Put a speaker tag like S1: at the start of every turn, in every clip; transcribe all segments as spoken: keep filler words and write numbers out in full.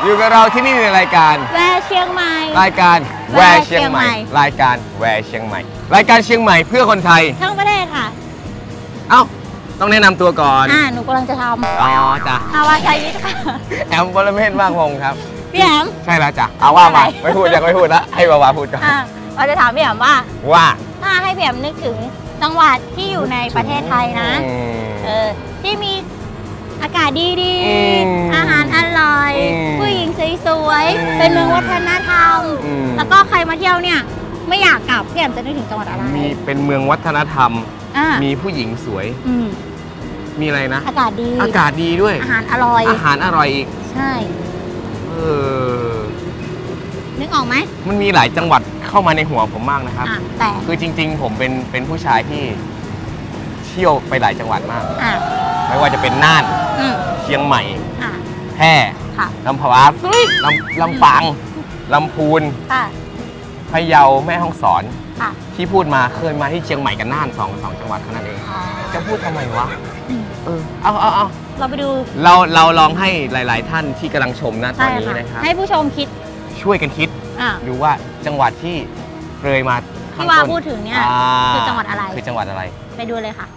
S1: อยู่กับเราที่นี่ในรายการ
S2: แวเชียงใหม่
S1: รายการแวเชียงใหม่รายการแวเชียงใหม่รายการเชียงใหม่เพื่อคนไทย
S2: ทั้งประเทศค่ะ
S1: เอ้าต้องแนะนำตัวก่อน
S2: อ่าหนูกำลังจะทำ
S1: อ๋อจ้ะ
S2: อาวาชัยวิทย์ค่ะ
S1: แอมบรเมศมากพงศ์ครับ
S2: พี่แอม
S1: ใช่แล้วจ้ะเอาว่ามาไม่พูดยังไม่พูดละให้บาวาพูดก่อน
S2: เราจะถามพี่แอมว่า
S1: ว่า
S2: ถ้าให้พี่แอมนึกถึงจังหวัดที่อยู่ในประเทศไทยนะเออที่มีอากาศดีๆอาหารอร่อยผู้หญิงสวยๆเป็นเมืองวัฒนธรรมแล้วก็ใครมาเที่ยวเนี่ยไม่อยากกลับพี่แอมจะนึกถึงจังหวัดอะไร
S1: มีเป็นเมืองวัฒนธรรมมีผู้หญิงสวยมีอะไรนะ
S2: อากาศดี
S1: อากาศดีด้วย
S2: อาหารอร่อย
S1: อาหารอร่อยอีก
S2: ใช่
S1: เออ
S2: นึกออกไหม
S1: มันมีหลายจังหวัดเข้ามาในหัวผมมากนะครับ
S2: แต่
S1: คือจริงๆผมเป็นเป็นผู้ชายที่เที่ยวไปหลายจังหวัดมากไม่ว่าจะเป็นน่านเชียงใหม่แพร่ลำพูนลำลำปางลำพูนพะเยาแม่ฮ่องสอนที่พูดมาเคยมาที่เชียงใหม่กับน่านสองสองจังหวัดเท่านั้นเองจะพูดทำไมวะเออเอาเอาเอา
S2: เราไปดู
S1: เราเราลองให้หลายๆท่านที่กำลังชมนะตอนนี้นะครับ
S2: ให้ผู้ชมคิด
S1: ช่วยกันคิดดูว่าจังหวัดที่เคยมา
S2: ที่ว่าพูดถึงเนี่ยคือจังหวัดอะไร
S1: คือจังหวัดอะไร
S2: ไปดูเลยค่ะ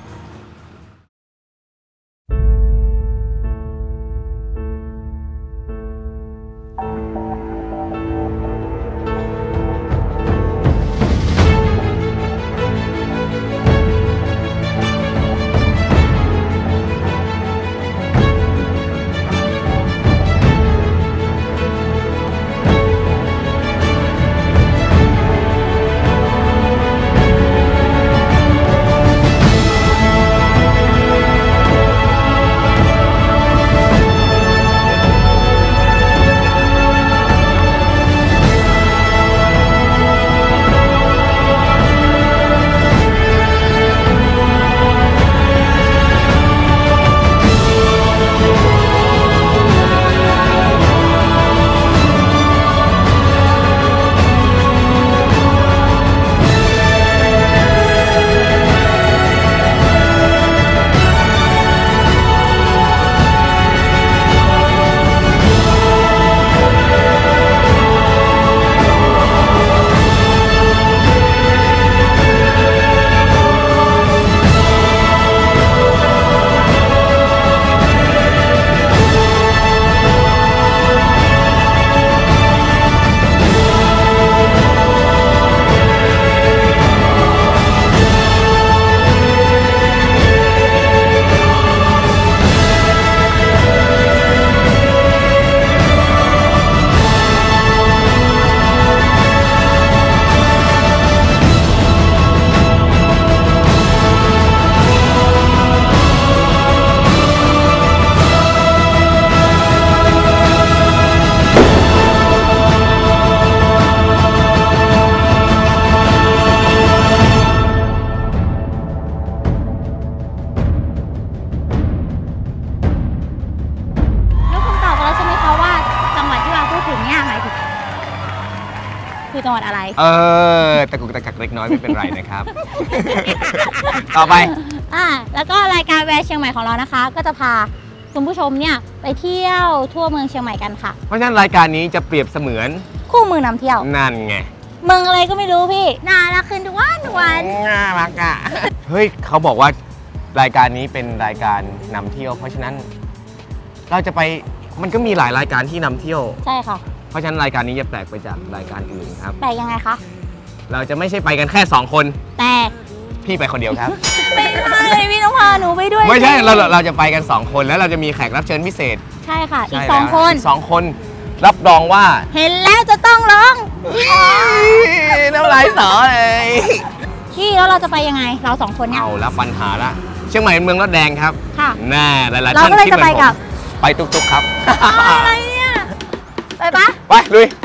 S2: คือจังหวัดอะไร
S1: เออตะกุกตะกักเล็กน้อยไม่เป็นไรนะครับ ต่อไป
S2: อ่าแล้วก็รายการแวะเชียงใหม่ของเรานะคะก็จะพาคุณผู้ชมเนี่ยไปเที่ยวทั่วเมืองเชียงใหม่กันค่ะ
S1: เพราะฉะนั้นรายการนี้จะเปรียบเสมือน
S2: คู่มือนำเที่ยว
S1: นั่นไง
S2: เมืองอะไรก็ไม่รู้พี่น่ารักขึ้นทุกวันทุกวัน
S1: น่ารักอ่ะเฮ้ยเขาบอกว่ารายการนี้เป็นรายการนำเที่ยวเพราะฉะนั้นเราจะไปมันก็มีหลายรายการที่นำเที่ยว
S2: ใช่ค่ะ
S1: เพราะฉะนั้นรายการนี้จะแปลกไปจากรายการอื่นครับ
S2: แปลกยังไงคะ
S1: เราจะไม่ใช่ไปกันแค่สองคน
S2: แต่
S1: พี่ไปคนเดียวครับ
S2: ไม่ได้พี่ต้องพาหนูไปด้วย
S1: ไม่ใช่เราเราจะไปกันสองคนแล้วเราจะมีแขกรับเชิญพิเศษ
S2: ใช่ค่ะอีกสองคน
S1: สองคนรับรองว่า
S2: เห็นแล้วจะต้องร้อง
S1: น้ำลายสอเลย
S2: พี่แล้วเราจะไปยังไงเราสองคนเนี่ย
S1: เอาแล้วปัญหาละเชียงใหม่เป็นเมืองรถแดงครับ
S2: ค่ะ
S1: แน่หลายๆท่านคิดเหมือนผมไปตุกๆครับ
S2: อะไรเนี่ยไปปะ
S1: ไปลุย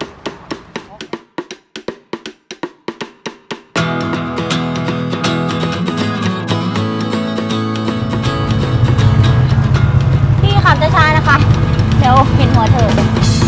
S2: พี่ขับช้าๆนะคะเดี๋ยวเห็นหัวเธอ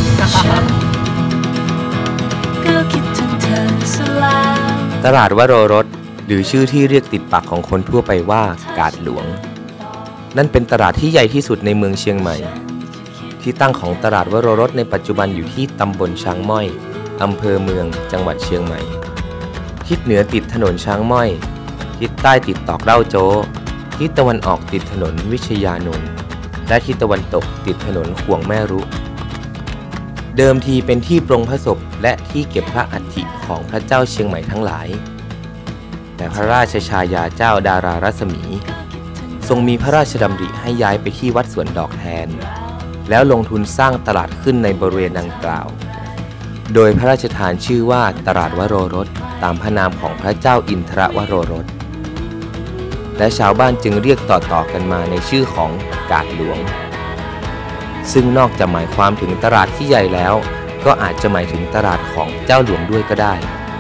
S3: ตลาดวโรรสหรือชื่อที่เรียกติดปากของคนทั่วไปว่ากาดหลวงนั่นเป็นตลาดที่ใหญ่ที่สุดในเมืองเชียงใหม่ที่ที่ตั้งของตลาดวโรรสในปัจจุบันอยู่ที่ตำบลช้างม้อยอำเภอเมืองจังหวัดเชียงใหม่ทิศเหนือติดถนนช้างม้อยทิศใต้ติดตอกเล่าโจ้ทิศตะวันออกติดถนนวิชยานนท์และทิศตะวันตกติดถนนขวงแม่รุเดิมทีเป็นที่ปรงพระศพและที่เก็บพระอัฐิของพระเจ้าเชียงใหม่ทั้งหลายแต่พระราชชายาเจ้าดารารัศมีทรงมีพระราชดำริให้ย้ายไปที่วัดสวนดอกแทนแล้วลงทุนสร้างตลาดขึ้นในบริเวณดังกล่าวโดยพระราชทานชื่อว่าตลาดวโรรสตามพระนามของพระเจ้าอินทรวโรรสและชาวบ้านจึงเรียกต่อๆกันมาในชื่อของกาดหลวงซึ่งนอกจากหมายความถึงตลาดที่ใหญ่แล้วก็อาจจะหมายถึงตลาดของเจ้าหลวงด้วยก็ได้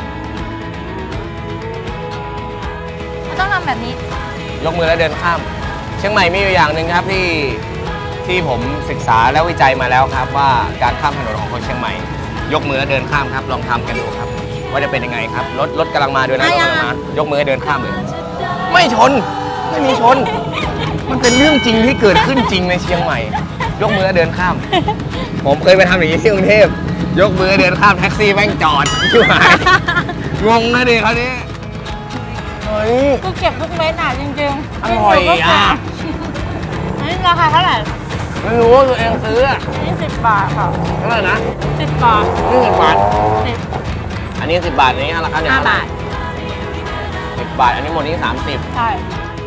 S2: ต้องทำแบบนี้
S1: ยกมือแล้วเดินข้ามเชียงใหม่มีอยู่อย่างหนึ่งครับที่ที่ผมศึกษาและวิจัยมาแล้วครับว่าการข้ามถนนของคนเชียงใหม่ยกมือแล้วเดินข้ามครับลองทำกันดูครับว่าจะเป็นยังไงครับรถรถกำลังมาด้วยนะรถกำลังมายกมือเดินข้ามเลยไม่ชนไม่มีชนมันเป็นเรื่องจริงที่เกิดขึ้นจริงในเชียงใหม่ยกมือเดินข้ามผมเคยไปทำอย่างนี้ที่กรุงเทพยกมือเดินข้ามแท็กซี่แม่งจอดชิบหายงงนะดิเขาเนี่ยเฮ้ย
S2: กูเก็บทุกเม็ดอ่ะจริงๆ
S1: อร่อยอ่ะ
S2: นี่ราคาเท่าไหร่
S1: ไม่รู้ตัวเองซื้อ
S2: ยี่สิบบาทค่ะ
S1: เท่าไหร่นะ
S2: สิบบาท
S1: นี่สิบบาท
S2: สิบ
S1: อันนี้สิบบาทนี้ราคาเนี่ย
S2: ห้าบาท
S1: สิบบาทอันนี้หมดนี้สามสิบ
S2: ใช่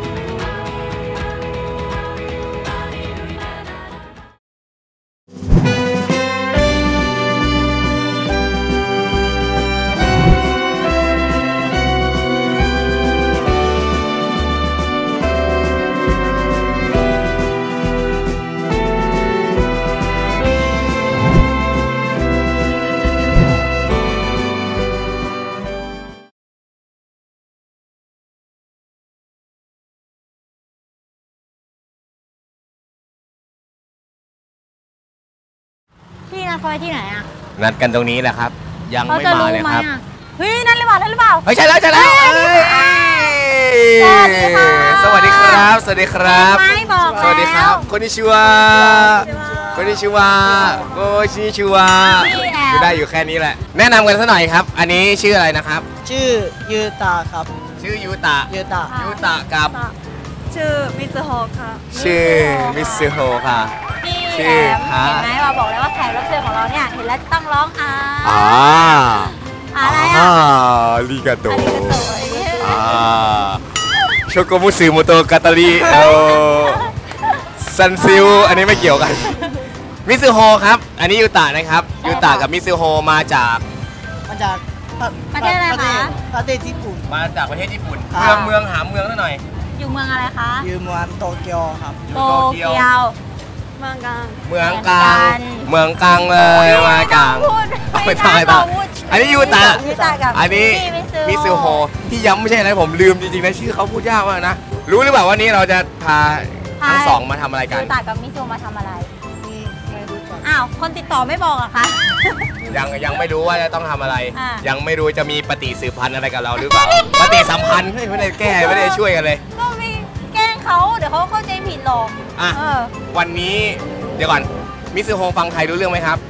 S2: พี่นัดเขาไว้ที่ไหนอ่ะ
S1: นัดกันตรงนี้แหละครับยังไม่มาเลยครับ
S2: เฮ้ยนั่นหรือเปล่านั่นหรือเปล่า
S1: เฮ้ยใช่แล้วใช่แล้ว
S2: สวัสดีค่ะ
S1: สวัสดีครับสวัสดีครับ
S2: ไม่บอก
S1: สวัสดีครับคนนิชิวะคนนิชิวะโกชิชิวะอยู่ได้อยู่แค่นี้แหละแนะนำกันสักหน่อยครับอันนี้ชื่ออะไรนะครับ
S4: ชื่อยูตะครับ
S1: ชื่อยูตะ
S4: ยูตะ
S1: ยูตะกับ
S2: ชื่อมิซึโฮะค่ะ
S1: ชื่อมิซึโฮะค่ะ
S2: พี่แอมเห็นไหมเราบอกเลยว่าแขกรับเชิญของเราเนี่ยเห็นแล้วต้องร้องอ่า
S1: อ่า
S2: อะไรอ่ะ
S1: อาริกาโตอ่าโชโกมุสึโมโตกาตาริโอซันซิลอันนี้ไม่เกี่ยวกันมิซึโฮครับอันนี้ยูตะนะครับยูตะกับมิซึโฮมาจาก
S4: มาจาก
S2: ประเทศอะไรคะ
S4: ประเทศญี่ปุ่น
S1: มาจากประเทศญี่ปุ่นเมืองเมืองหาเมืองหน่อย
S2: อยู่เมืองอะไรคะ
S4: อยู่เมืองโตเกียวครับ
S2: โตเกียวเมืองกลาง
S1: เมืองกลางเมืองกลางเลยมากลางไม่ทายต่ออันนี้ยูตะอันนี้มิซึโฮที่ย้ำไม่ใช่อะไรผมลืมจริงๆนะชื่อเขาพูดยากมากนะรู้หรือเปล่าวันนี้เราจะพาทั้งสองมาทำอะไรกัน
S2: ยูตะกับมิซึโฮมาทำอะไรอ้าวคนติดต่อไม่บอกอะคะ
S1: ยังยังไม่รู้ว่าจะต้องทำอะไรยังไม่รู้จะมีปฏิสืบพันธ์อะไรกับเราหรือเปล่าปฏิสัมพันธ์ไม่ได้แก้ไม่ได้ช่วยกันเลย
S2: ก็มีแกล้งเขาเดี๋ยวเขาเข้าใจผิดหรอก
S1: อ่ะวันนี้เดี๋ยวก่อนมิซึโฮฟังไทยรู้เรื่องไหมครับ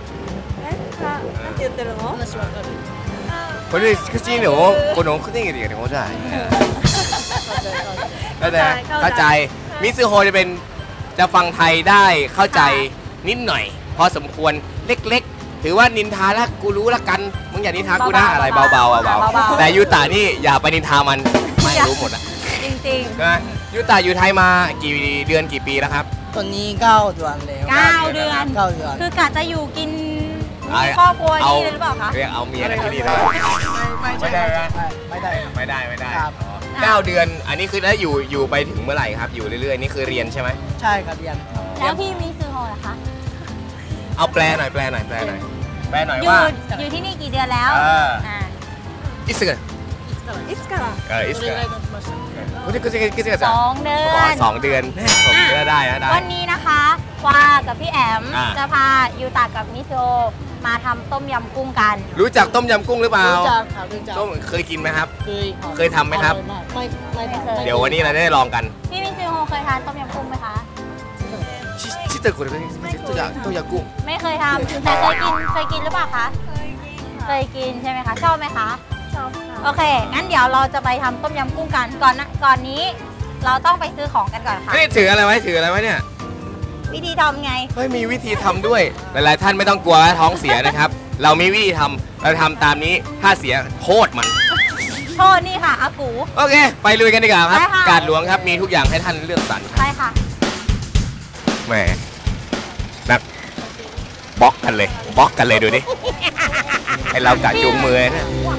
S1: คนที่คือจริงเดี๋ยวคนน้องเขาได้ยินเดี๋ยวเขาจะเข้าใจเข้าใจมิซึโฮจะเป็นจะฟังไทยได้เข้าใจนิดหน่อยพอสมควรเล็กๆถือว่านินทาแล้วกูรู้ละกันมึงอย่านินทากูนะอะไรเบาๆเบาๆแต่ยูตะนี่อย่าไปนินทามันไม่รู้หมดอะ
S2: จริง
S1: ๆนะยูตะอยู่ไทยมากี่เดือนกี่ปีแล้วครับ
S4: ตอนนี้เก้าเดือนแล้ว
S2: เก้าเดือน
S4: เก้าเดือน
S2: คือกะจะอยู่กินครอบครัวนี่หรือเปล่าคะ
S1: เรียกเอาเมียที่นี่เลยไม่ได้
S4: ไม่ได้
S1: ไม่ได้ไม่ได้เก้าเดือนอันนี้คือแล้วอยู่อยู่ไปถึงเมื่อไหร่ครับอยู่เรื่อยๆนี่คือเรียนใช่ไหม
S4: ใช่ครับเรียน
S2: แล้วพี่มิซึโฮล่ะคะ
S1: เอาแปลหน่อยแปลหน่อยแปลหน่อยแปลหน่อยว่า
S2: อยู่ที่นี่กี่เดือนแล้ว
S1: อิสกะ
S2: อิสกะ
S1: เอออิสกะ
S2: สองเดือน
S1: สองเดือนผมก็ได้นะได้
S2: วันนี้นะคะว่ากับพี่แอมจะพายูตะกับมิซึโฮมาทำต้มยำกุ้งกัน
S1: รู้จักต้มยำกุ้งหรือเปล่า
S4: รู้จักครับรู้จัก
S1: เคยกินไหมครับ
S4: เคย
S1: เคยทำไหมครับ
S4: ไม่ไม่
S2: เคย
S1: เดี๋ยววันนี้เราได้ลองกัน
S2: พี่มิซึโฮเคยทานต้มยำกุ้งไหมคะ
S1: ชิเตอร์คนนี้ตัวอย่างตัวยากุ้ง
S2: ไม่เคยทำแต่เคยกินเคยกินหรือเปล่าคะเคยกินใช่ไหมคะชอบไหมคะชอบโอเคงั้นเดี๋ยวเราจะไปทำต้มยำกุ้งกันก่อนนะก่อนนี้ เราต้องไปซื้อของกันก่อนค่ะ
S1: นี่ถืออะไรไว้ถืออะไรไว้เนี่ย
S2: วิธีทำไง
S1: เฮ้ยมีวิธีทำด้วยหลายๆท่านไม่ต้องกลัวว่าท้องเสียนะครับ เรามีวิธีทำเราทำตามนี้ถ้าเสียโทษมัน
S2: โทษนี่ค่ะอากู
S1: โอเค ไปลุยกันดีกว่าครับ
S2: ได้ค่ะ
S1: การหลวงครับมีทุกอย่างให้ท่านเลือกสรร
S2: ใช่ค่ะ
S1: แหมนักบล็อกกันเลยบล็อกกันเลยดูดิให้เรากะจูงมือนะ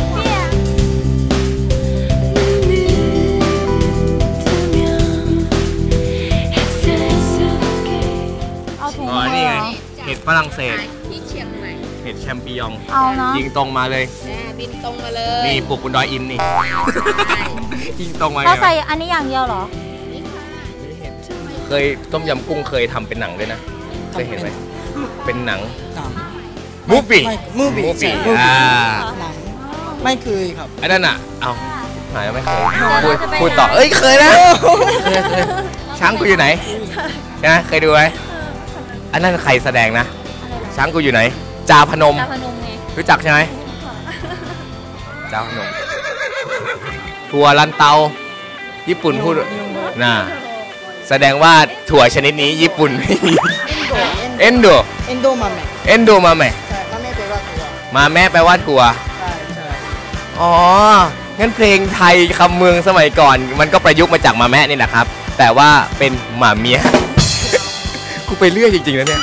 S2: เอาถุง
S1: อ๋อ
S2: มา
S1: นี่ไง
S2: เหรอ
S1: เห็ดฝรั่งเศส
S5: ที่เชียงใหม่
S1: เห็ดแชมปิญอง
S2: เอาเนาะ
S1: ยิงตรงมาเลย
S5: แน่บินตรงมาเลย
S1: นี่ปลูกบนดอยอินนี่ยิงตรงมา
S2: เราใส่
S1: เลย
S2: อันนี้อย่างเดียวเหรอ
S1: เคยต้มยำกุ้งเคยทำเป็นหนังด้วยนะเคยเห็นไหมเป็นหนัง
S4: หนัง
S1: มูฟี่
S4: มูฟี่
S1: มู
S4: ใช่
S1: ฟี่
S4: มูฟี่
S1: อ่า
S4: หนังไม่เคยครับ
S1: ไอ้นั่นอ่ะเอาหายไม่เคย
S2: เดี๋ยว
S1: พูด
S2: เราจะไป
S1: พูดต่อ
S2: ไหน
S1: เอ้ยเคยนะเคยเคยช้างกูอยู่ไหนใช่ไหมเคยดูไหมอันนั้นใครแสดงนะช้างกูอยู่ไหนจาพนม
S2: จาพนมไง
S1: รู้จักใช่ไหมจาพนมถั่วลันเตา ญี่ปุ่นพูดน่ะแสดงว่าถั่วชนิดนี้ญี่ปุ่นไม่มีเอนโด
S4: เอนโดมาเมะ
S1: เอนโดมาไหม
S4: ใช่มาเมะแปลว่าตัว
S1: มาแม่แปลว่าถั่ว
S4: ใช่ใช่
S1: อ๋องั้นเพลงไทยคำเมืองสมัยก่อน มันก็ประยุกต์มาจากมาแม่นี่แหละครับ แต่ว่าเป็นหมาเมีย กูไปเรื่อยจริงๆนะเนี่ย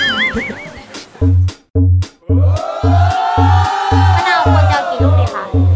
S2: มะนาวควรจะเอากี่ลูกดีคะ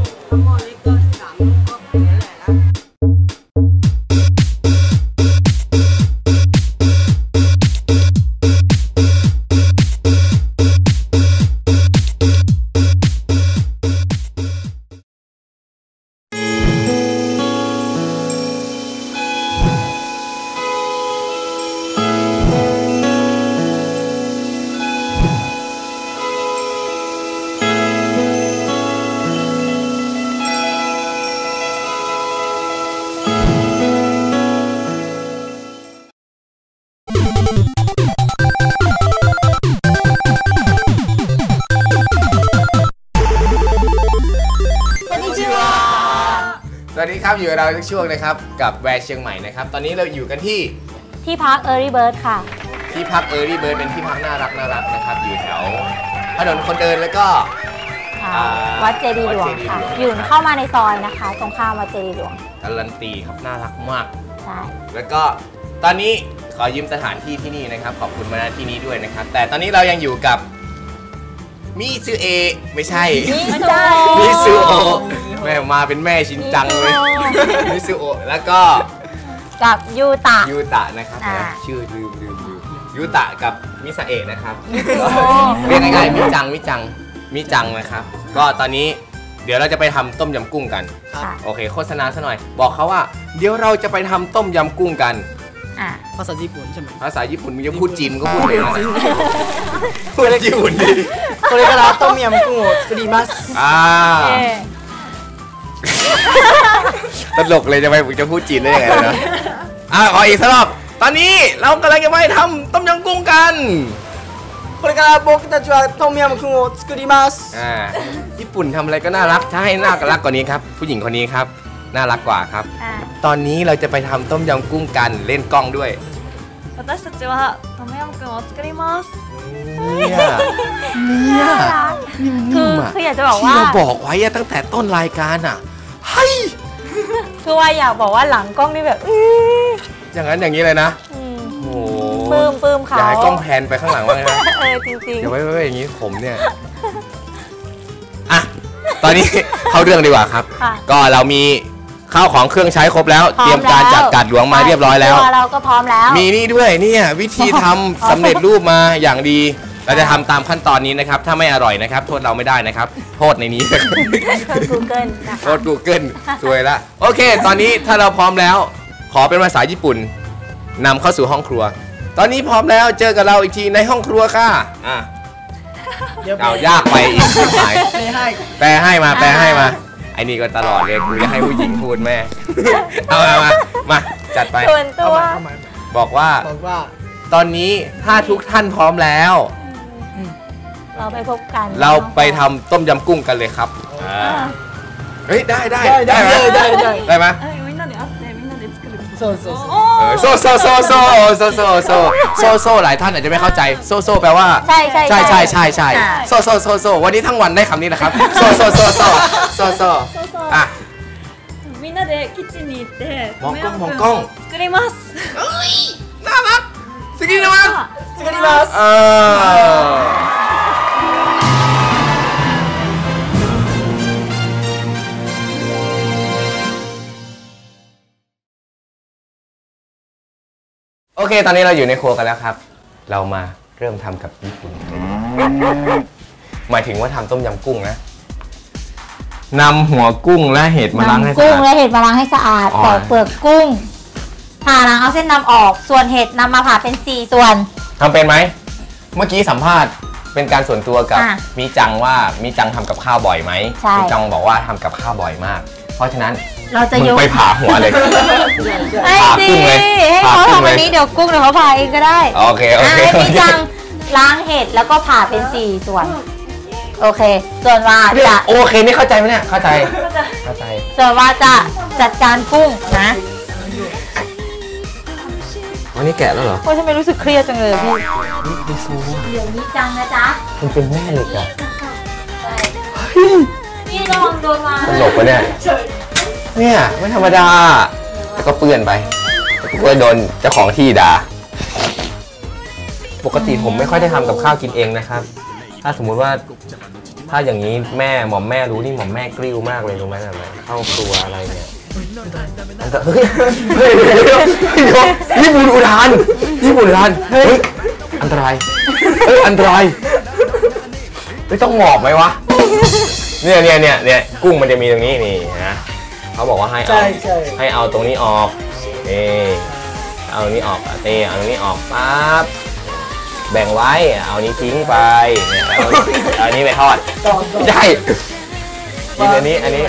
S1: สวัสดีครับอยู่กับเราทุกช่วงนะครับกับแวร์เชียงใหม่นะครับตอนนี้เราอยู่กันที่
S2: ที่พักเออรี่เบิร์ดค่ะ
S1: ที่พักเออร์ลี่เบิร์ดเป็นที่พักน่ารักน่ารักนะครับอยู่แถวถนนคนเดินแล้วก็
S2: ค่ะ
S1: อ่า
S2: วัดเจดีย์หลวง
S1: วัดเจดีย์
S2: ค่ะ
S1: หลวง
S2: อยู่เข้ามาในซอยนะคะ ตรงข้ามวัดเจดีย์หลวง
S1: การันตีครับน่ารักมาก
S2: ใช่
S1: แล้วก็ตอนนี้ขอยืมสถานที่ที่นี่นะครับขอบคุณมาณที่นี้ด้วยนะครับแต่ตอนนี้เรายังอยู่กับมิซูเอะไม่ใช่
S2: ไม่ใช่
S1: มิซูโอะแม่มาเป็นแม่ชินจังเลยมิซูโอะแล้วก็
S2: กับยูตะ
S1: ยูตะนะครับ
S2: อ่า
S1: ชื่อลืมลืมลืมยูตะกับมิซาเอะนะครับเรียกง่ายๆมิจังมิจังมิจังนะครับ ก็ตอนนี้เดี๋ยวเราจะไปทำต้มยำกุ้งกัน
S2: ค่ะ
S1: โอเคโฆษณาซะหน่อย บอกเขาว่า เดี๋ยวเราจะไปทำต้มยำกุ้งกัน
S2: อ่ะ
S4: ภาษาญี่ปุ่นใช่ไหม
S1: ภาษาญี่ปุ่นมึงจะพูดจีนก็พูดเลยนะพูดญี่ปุ่นดิ
S4: これからต้มยำกุ้งを作ります
S1: อ่า
S2: เอ๊ะ
S1: ตลกเลยจะไปจะพูดจีนได้ยังไงเลยนะอ่ะขออีกสักรอบตอนนี้เรากำลังจะไปทำต้มยำกุ้งกัน
S4: これから僕たちはต้มยำกุ้งを作ります
S1: อ่าญี่ปุ่นทำอะไรก็น่ารักถ้าให้น่ารักกว่านี้ครับ ผู้หญิงคนนี้ครับน่ารักกว่าครับ
S2: อ่ะ
S1: ตอนนี้เราจะไปทำต้มยำกุ้งกันเล่นกล้องด้วย
S6: 私たちはトムヤムクンを作ります。
S1: เนี่ยเนี่ย
S2: น่ารัก
S1: นิ่
S2: คือ
S1: มๆอ่ะ
S2: คืออยากจะบอก
S1: ที่
S2: ว่า
S1: เราบอกไว้อะตั้งแต่ต้นรายการอ่ะเฮ้ย
S2: คือว่าอยากบอกว่าหลังกล้องนี่แบบอื้อ
S1: อย่างนั้นอย่างนี้เลยนะ
S2: อืม
S1: โอ้โห
S2: ปลื้มปลื้มเขา
S1: อยากให้กล้องแพนไปข้างหลังว่างนะ
S2: เออจริง
S1: เดี๋ยวไว้ไว้อย่างนี้ผมเนี่ยอ่ะตอนนี้ เข้าเรื่องดีกว่าครับ
S2: ๆค่ะ
S1: ก็เรามีข้าวของเครื่องใช้ครบแล้ว
S2: พร้
S1: เตรียมการจัดการหลวงมาเรียบร้อยแล้ว
S2: ตัวเราก็พร้อมแล้ว
S1: มีนี่ด้วยเนี่ยวิธีทำสำเร็จรูปมาอย่างดี เราจะทำตามขั้นตอนนี้นะครับ ถ้าไม่อร่อยนะครับ โทษเราไม่ได้นะครับ โทษในนี้
S2: เชิญ Google นะ
S1: โท
S2: คะ
S1: ษ Google สวยละโอเค ตอนนี้ถ้าเราพร้อมแล้ว ขอเป็นภาษาญี่ปุ่นนำเข้าสู่ห้องครัว ตอนนี้พร้อมแล้วเจอกับเราอีกทีในห้องครัวค่ะอ่ะ
S4: เดี๋ยว
S1: เอายากไปอีกไม่หาย
S4: ไม่ให้
S1: แปลให้มาแปลให้มาไอ้นี่ก็ตลอดเลยกูจะให้ผู้หญิงพูดแม่ เอามามามาจัดไป
S2: ส่วนตัว
S4: เอาใหม่
S1: บอกว่า
S4: บอกว่า
S3: ตอนนี้ถ้าทุกท่านพร้อมแล้ว
S2: เราไปพบกัน
S3: เราไปทำต้มยำกุ้งกันเลยครับเฮ้ยได้ได้
S4: ได้ได้ได้ได้
S3: ได้ไหมโซโซโซโซโซโซโซโซโซโซโซหลายท่านอาจจะไม่เข้าใจโซโซแปลว่า
S2: ใช่ใช่
S3: ใช่ใช่ใช่ใช่โซโซโซโซวันนี้ทั้งวันได้คำนี้นะครับโซโซโซโซโซโซอ่ะ
S6: みんなでキッチンに行って
S3: มองกล้องมองกล้อง
S6: 作ります
S3: น่ารักสกินนะมั้ง
S4: สกินมาส
S3: โอเคตอนนี้เราอยู่ในครัวกันแล้วครับเรามาเริ่มทำกับญี่ปุ่นหมายถึงว่าทำต้มยำกุ้งนะนำหัวกุ้งและเห็ดมาล้างให้สะอาด
S2: กุ้งและเห็ดมาล้างให้สะอาดปอกเปลือกกุ้งผ่าล้างเอาเส้นนำออกส่วนเห็ดนำมาผ่าเป็นสี่ส่วน
S3: ทำเป็นไหมเมื่อกี้สัมภาษณ์เป็นการส่วนตัวกับมีจังว่ามีจังทำกับข้าวบ่อยไหมมีจังบอกว่าทำกับข้าวบ่อยมากเพราะฉะนั้น
S2: เราจะยก
S3: ไปผ่าหัวเลย
S2: ผ่ากุ้งเลยให้เขาทำวันนี้เดี๋ยวกุ้งเดี๋ยวเขาผ่าเองก็ได้
S3: โอเคโอเค
S2: มีจังล้างเห็ดแล้วก็ผ่าเป็นสี่ส่วนโอเคส่วนว่าจะ
S3: โอเคนี่เข้าใจไหมเนี่ยเข้าใจเข้าใจ
S2: ส่วนว่าจะจัดการกุ้งนะ
S3: วันนี้แกะแล้วเหรอ
S2: โอ้ยทำไมรู้สึกเครียดจังเลยพี่
S3: ดิซู
S2: เดี๋ยวนี้จังนะจ๊ะ
S3: มันเป็นแม่เหล็กอะ
S2: นี่ลองโดนมา
S3: ตลกปะเนี่ยเนี่ยไม่ธรรมดาแล้วก็เปื้อนไปก็โดนเจ้าของที่ด่าปกติผมไม่ค่อยได้ทำกับข้าวกินเองนะครับถ้าสมมุติว่าถ้าอย่างนี้แม่หม่อมแม่รู้นี่หม่อมแม่กริ้วมากเลยรู้ไหมแบบเข้าครัวอะไรเนี่ยเฮ้ยเฮ้ยญี่ปุ่นอุทานญี่ปุ่นอุทานเฮ้ยอันตรายเฮ้ยอันตรายไม่ต้องหมอบไหมวะเนี่ยเนี่ยเนี่ยเนี่ยกุ้งมันจะมีตรงนี้นี่นะเขาบอกว่าให้เอาให้เอาตรงนี้ออกนี่เอาตรงนี้ออกเตะเอาตรงนี้ออกปั๊บแบ่งไว้เอานี้ทิ้งไปเนี่ยเอาอันนี้ไปทอดใช่กินอันนี้อันนี้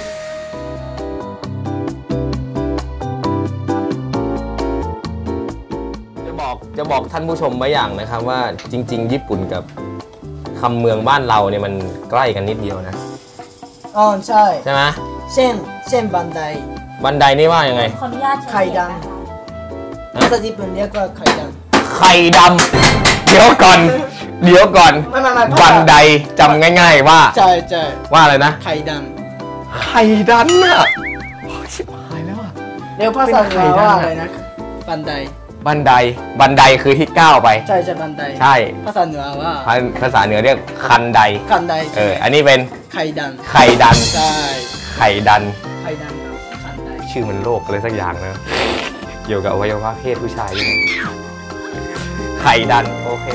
S3: จะบอกจะบอกท่านผู้ชมไว้อย่างนะครับว่าจริงๆญี่ปุ่นกับคำเมืองบ้านเราเนี่ยมันใกล้กันนิดเดียวนะ
S4: อ๋อใช่
S3: ใช่ไหม
S4: เช่นเช่นบันได
S3: บันไดนี่ว่ายังไง
S2: ขออนุญาต
S4: ไข่ดำภาษาญี่ปุ่นเรียกว่าไข่ดำ
S3: ไข่ดำเดี๋ยวก่อนเดี๋ยวก่อนบันไดจำง่ายๆว่า
S4: ใช่ใช่
S3: ว่าอะไรนะ
S4: ไข่ด
S3: ำไข่ดำน่ะชิบหายแล้วอ่ะ
S4: เดี๋ยวภาษาเหนือว่าอะไรนะบันได
S3: บันไดบันไดคือที่ก้าวไป
S4: ใช่ใช่บันได
S3: ใช่
S4: ภาษาเหนือว่า
S3: ภาษาเหนือเรียกคันได
S4: คันได
S3: เอออันนี้เป็น
S4: ไข่ดัน
S3: ไข่ดัน
S4: ใช่
S3: ไข่ดัน
S4: ไข่ดันคันได
S3: ชื่อมันโลกอะไรสักอย่างนะเกี่ยวกับอวัยวะเพศผู้ชายด้วยไข่ดันโอเค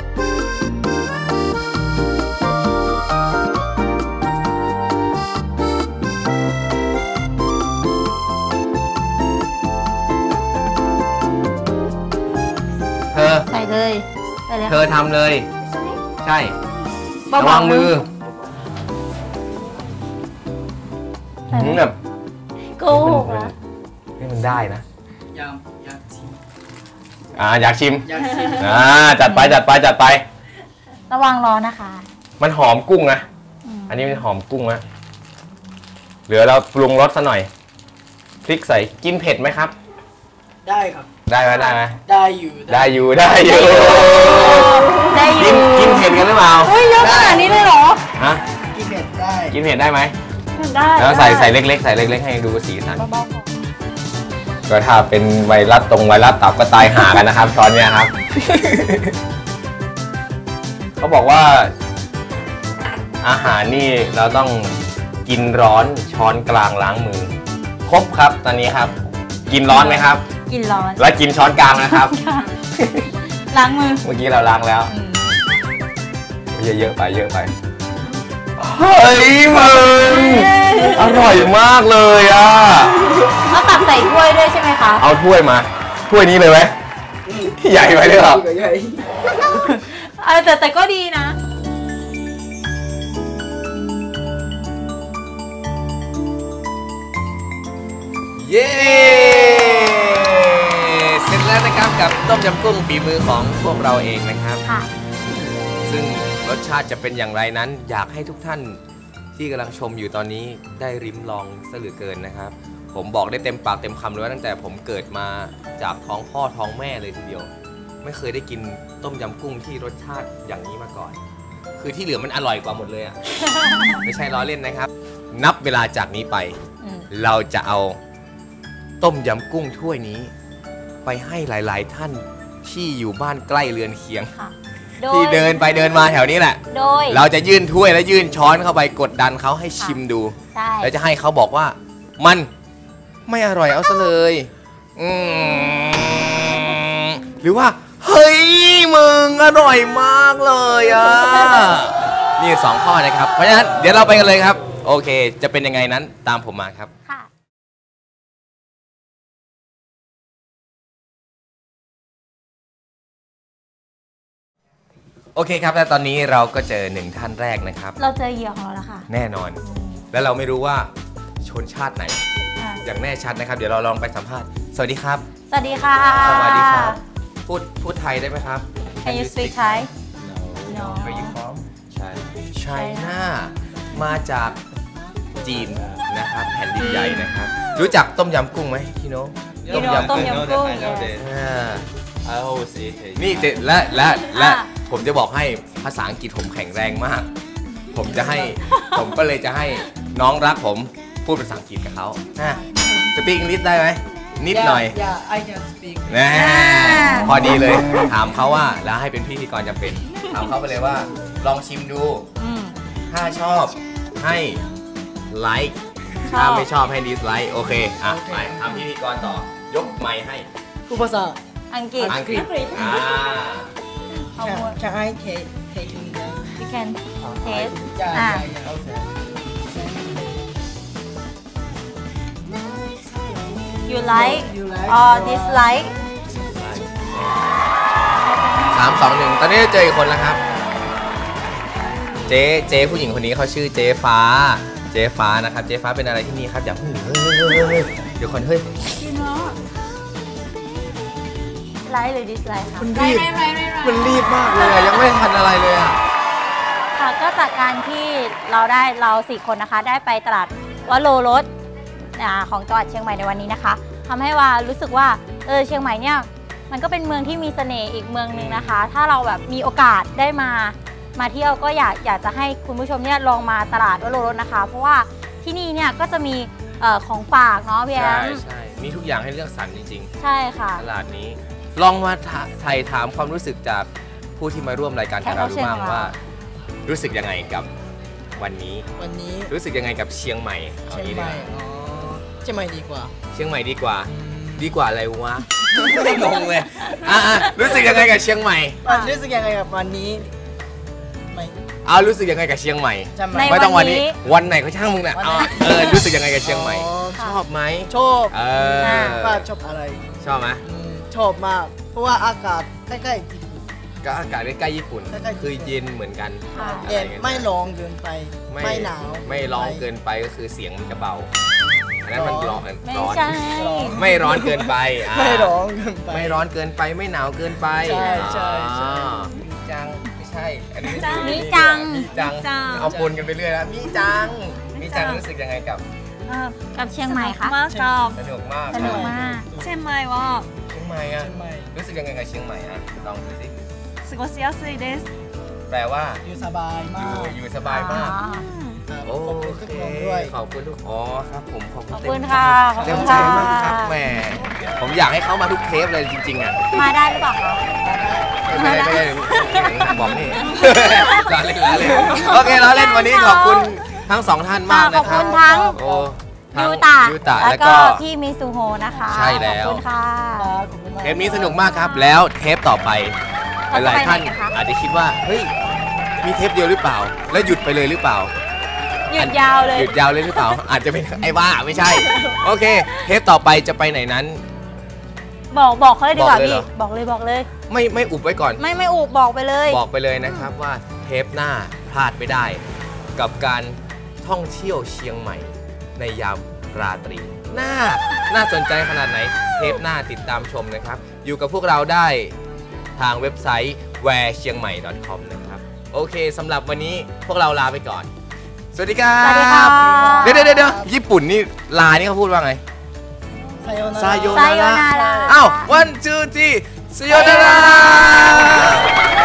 S3: เธอ
S2: ใส่เลย
S3: เธอทำเลยใช่ระวังมือแบบ
S2: โกหกนะ
S3: ให้มันได้นะ
S4: อยากอยากชิม
S3: อ่าอยากชิม
S4: อยากชิม
S3: อ่าจัดไปจัดไปจัดไป
S2: ระวังร้อนนะคะ
S3: มันหอมกุ้งนะอันนี้มันหอมกุ้งนะเหลือเราปรุงรสซะหน่อยพริกใส่กินเผ็ดไหมครับ
S4: ได้ครับ
S3: ได้ไหมได้ไหม
S4: ได้อยู่
S3: ได้อยู่ได้อยู่
S2: ได้อยู่
S3: กินเผ็ดกันหรือเปล่า
S2: เฮ้ยเยอะขนาดนี้เลยเหรอ
S3: ฮะ
S4: กินเผ็ดได้
S3: กินเผ็ดได้ไหม
S2: ได้
S3: แล้วใส่ใส่เล็กๆใส่เล็กๆให้ดูสีสันก็ถ้าเป็นไวรัสตรงไวรัสตับก็ตายหากันนะครับตอนนี้ครับเขาบอกว่าอาหารนี่เราต้องกินร้อนช้อนกลางล้างมือครบครับตอนนี้ครับกินร้อนไหมครับ
S2: กินร้อน
S3: แล้วกินช้อนกลางนะครับ
S2: ล้างมือ
S3: เมื่อกี้เราล้างแล้วเยอะๆไปเยอะไปเฮ้ยมึงอร่อยมากเลยอ่ะ
S2: เอาตักใส่ถ้วยด้วยใช่ไหมคะ
S3: เอาถ้วยมาถ้วยนี้เลยไหมใหญ่ไปเลยเหรอ
S2: เออแต่แต่ก็ดีนะ
S3: เย้เสร็จแล้วนะครับ
S1: กับต้มยำกุ้งฝีมือของพวกเราเองนะครับ
S2: ค่ะ
S1: ซึ่งรสชาติจะเป็นอย่างไรนั้น อยากให้ทุกท่านที่กำลังชมอยู่ตอนนี้ได้ริมลองซะเหลือเกินนะครับ ผมบอกได้เต็มปากเต็มคำเลยว่าตั้งแต่ผมเกิดมาจากท้องพ่อท้องแม่เลยทีเดียว ไม่เคยได้กินต้มยำกุ้งที่รสชาติอย่างนี้มาก่อน คือที่เหลือมันอร่อยกว่าหมดเลยอะ ไม่ใช่ล้อเล่นนะครับ นับเวลาจากนี้ไป เราจะเอาต้มยำกุ้งถ้วยนี้ ไปให้หลาย ๆ ท่านที่อยู่บ้านใกล้เรือนเคียง ที่เดินไปเดินมาแถวนี้แหละ
S2: โดย
S1: เราจะยื่นถ้วยและยื่นช้อนเข้าไปกดดันเขาให้ชิมดู
S2: ใช่
S1: แล้วจะให้เขาบอกว่ามันไม่อร่อยเอาซะเลยอืมหรือว่าเฮ้ยมึงอร่อยมากเลยอ่ะ นี่สองข้อนะครับ เพราะฉะนั้นเดี๋ยวเราไปกันเลยครับ โอเค จะเป็นยังไงนั้นตามผมมาครับ
S2: ค่ะ
S1: โอเคครับ และตอนนี้เราก็เจอหนึ่งท่านแรกนะครับ
S2: เราเจอเหยื่อของเราแล้วค่ะ
S1: แน่นอน และเราไม่รู้ว่าชนชาติไหน
S2: อ่ะ
S1: อย่างแน่ชัดนะครับ เดี๋ยวเราลองไปสัมภาษณ์ สวัสดีครับ
S2: สวัสดีค่ะ
S1: สวัสดีครับ พูดพูดไทยได้ไหมครับ
S2: Can you speak Thai
S1: No Where you from China มาจากจีนนะครับ แผ่นดินใหญ่นะครับ รู้จักต้มยำกุ้งไหมพี่โน้
S2: You know ต้มยำกุ้ง
S1: อ่า
S7: I always eat it.
S1: นี่เจและและและ
S2: อ่ะ
S1: ผมจะบอกให้ภาษาอังกฤษผมแข็งแรงมาก ผมจะให้ ผมก็เลยจะให้น้องรักผมพูดภาษาอังกฤษกับเขาสปีกอังกฤษได้ไหมนิดหน่อย
S4: Yeah, I can speak.
S1: นะพอดีเลย ถามเขาว่าแล้วให้เป็นพิธีกรจำเป็น ถามเขาไปเลยว่า ลองชิมดู
S2: อืม
S1: ถ้าชอบให้ไลค์
S2: ชอบ
S1: ถ้าไม่ชอบให้ดิสไลค์โอเค อ่ะ ไปทำพิธีกรต่อ ยกไมค์ให้
S4: พูดภาษา
S2: อังกฤษ
S1: อังกฤษอ่า
S2: เอาหมด
S4: Can I take take in the
S2: you can taste
S4: Yeah,
S2: อ่ะ
S4: yeah, yeah, okay.
S2: you like
S4: You like
S2: or
S4: or-
S2: dislike
S1: สามสองหนึ่งตอนนี้เจออีกคนแล้วครับ เจ๊เจ๊ผู้หญิงคนนี้เขาชื่อเจ๊ฟ้า เจ๊ฟ้านะครับ เจ๊ฟ้าเป็นอะไรที่นี่ครับอย่าเพิ่งเฮ้ยเฮ้ยเฮ้ยเฮ้ยเดี๋ยวคนเฮ้ย
S2: like หรือ dislike ค่ะ
S1: มันรีบมันรีบมากเลยอะยังไม่ทันอะไรเลยอ่ะ
S2: ค่ะก็จากการที่เราได้เราสี่คนนะคะ ได้ไปตลาดวโรรสอ่าของจังหวัดเชียงใหม่ในวันนี้นะคะทำให้ว่ารู้สึกว่าเออเชียงใหม่เนี่ยมันก็เป็นเมืองที่มีเสน่ห์อีกเมืองหนึ่งนะคะ ถ้าเราแบบมีโอกาสได้มามาเที่ยวก็อยากอยากจะให้คุณผู้ชมเนี่ยลองมาตลาดวโรรสนะคะ เพราะว่าที่นี่เนี่ยก็จะมีเอ่อของฝากเนาะพี่แอ
S1: ใช่
S2: ม
S1: ใช่มีทุกอย่างให้เลือกสรรจริง
S2: ใช่ค่ะ
S1: ๆตลาดนี้ ลองมาไถ่ถามความรู้สึกจากผู้ที่มาร่วมรายการกับเราดูบ้างว่า รู้สึกยังไงกับวันนี้
S4: วันนี้
S1: รู้สึกยังไงกับเชียงใหม่อา
S4: เชียง
S1: งี้
S4: ให
S1: ดี
S4: ม่
S1: กว่า
S4: อ๋อเชียงใหม่ดีกว่า
S1: เชียงใหม่ดีกว่า ดีกว่าอะไรวะ ไม่งงเลยอ่ะๆรู้สึกยังไงกับเชียงใหม่
S4: วันรู้สึกยังไงกับวันนี้ไม่
S1: เอารู้สึกยังไงกับเชียงใหม่
S4: จำ
S2: ใน
S4: ไม่
S1: ไม่ต้องวันนี้
S2: วันนี้
S1: วันไหนก็ช่างมึงน่ะ
S4: วันไหน
S1: เอาเออรู้สึกยังไงกับเชียงใหม่
S4: อ๋อ
S1: ชอบไหม
S4: ชอบ
S1: เออ
S4: ว่าชอบอะไร
S1: ชอบไหม
S4: อืมชอบมาก เพราะว่าอากาศใกล้ๆญี่ปุ่น
S1: ก็อากาศใกล้ๆญี่ปุ่น
S4: ใกล้ๆญี่ปุ่น
S1: คือเย็นเหมือนกัน
S2: ค่ะ
S4: เย็นไม่ร้อนเกินไป
S1: ไม่
S4: ไม่หนาว
S1: ไม่ร้อนเกินไปก็คือเสียงมันจะเบาอันนั้นมันร้อน
S2: ไม่
S1: ร้อน
S2: ใช่
S1: ไม่ร้อนเกินไปอ่า
S4: ไม่ร้อนเกินไป
S1: ไม่ร้อนเกินไปไม่หนาวเกินไป
S4: ใช่ใช่ใช่
S1: อ่ามีจังไม่ใช่อันนี้
S2: มีจัง
S1: มีจัง
S6: มีจัง
S1: เอาปนกันไปเรื่อยแล้วมีจังมีจังรู้สึกยังไงกับ
S2: กับเชียงใหม่ค่ะ
S6: มากครับ
S1: สนุกมาก
S2: สนุกมาก
S6: เชียงใหม่は
S1: เชียงใหม่อะ
S4: เชียงใหม่
S1: รู้สึกยังไงกับเชียงใหม่อะลองดูสิ
S6: 過ごしやすいです
S1: แปลว่า
S4: อยู่สบาย
S1: อ
S4: มา
S1: ยู่
S4: ก
S1: อยู่สบายมาก
S4: ครับ
S1: โอ
S4: ขอบคุณ
S1: เค
S4: ทุกคนด้วย
S1: ขอบคุณทุกอ๋อครับผมขอบคุณ
S2: ขอบ
S1: เต็ม
S2: คุณค่ะขอบ
S1: เต็
S2: คุ
S1: ม
S2: ณ
S1: ใจ
S2: ค่ะ
S1: มากครับแหมผมอยากให้เขามาทุกเทปเลยจริงๆอ่ะ
S2: มาได้หรือเปล่าคะ
S1: ไม่ได้ไม่ได้บอกนี่ ล้อเล่นล้อเล่นโอเคล้อเล่นวันนี้ขอบคุณทั้งสองท่านมาก
S2: ข
S1: นะ
S2: อบ
S1: ครั
S2: คุ
S1: บ
S2: ณทั้ง
S1: โอ้ทั้ง
S2: ยูตะ
S1: ยูตะ
S2: แล้
S1: แล้ว ว
S2: ก็
S1: ก็
S2: พี่มิซูโฮนะคะ
S1: ใช่แล้ว
S2: ขอบคุณค่ะ
S4: ครับขอบคุณมาก
S1: เทปนี้สนุกมากครับ แล้วเทปต่อไป
S2: เราจะ
S1: หลาย
S2: ไป
S1: ๆท่าน
S2: ไหนคะ
S1: อาจจะคิดว่าเฮ้ยมีเทปเดียวหรือเปล่า แล้วหยุดไปเลยหรือเปล่า
S2: หยุดยาวเลย
S1: หยุดยาวเลยหรือเปล่า อาจจะเป็นไอ้ว่าไม่ใช่ โอเค เทปต่อไปจะไปไหนนั้น
S2: บอกบอกเขาเลยดีกว่า
S1: บอกเลย
S2: พี่
S1: เหรอ
S2: บอกเลยบอกเลย
S1: ไม่ไม่อุบไว้ก่อน
S2: ไม่ไม่อุบบอกไปเลย
S1: บอกไปเลยนะครับว่าเทปหน้าพลาดไม่ได้ กับการท่องเที่ยวเชียงใหม่ ในยามราตรี น่าน่าสนใจขนาดไหน เทปหน้าติดตามชมนะครับ
S3: อยู่กับพวกเราได้ทางเว็บไซต์ แวร์เชียงใหม่ ดอท คอม นะครับโอเคสำหรับวันนี้พวกเราลาไปก่อนสวัสดีครับ
S2: สวัสดีค่ะ
S3: เดี๋ยวเดี๋ยวเดี๋ยวญี่ปุ่นนี่ลานี่เขาพูดว่าไง
S4: さようなら。
S3: ซาโย
S2: ไซ
S3: นา
S2: โย
S3: ระ
S2: นารา
S3: อ้าว one two three ซาโยนาระ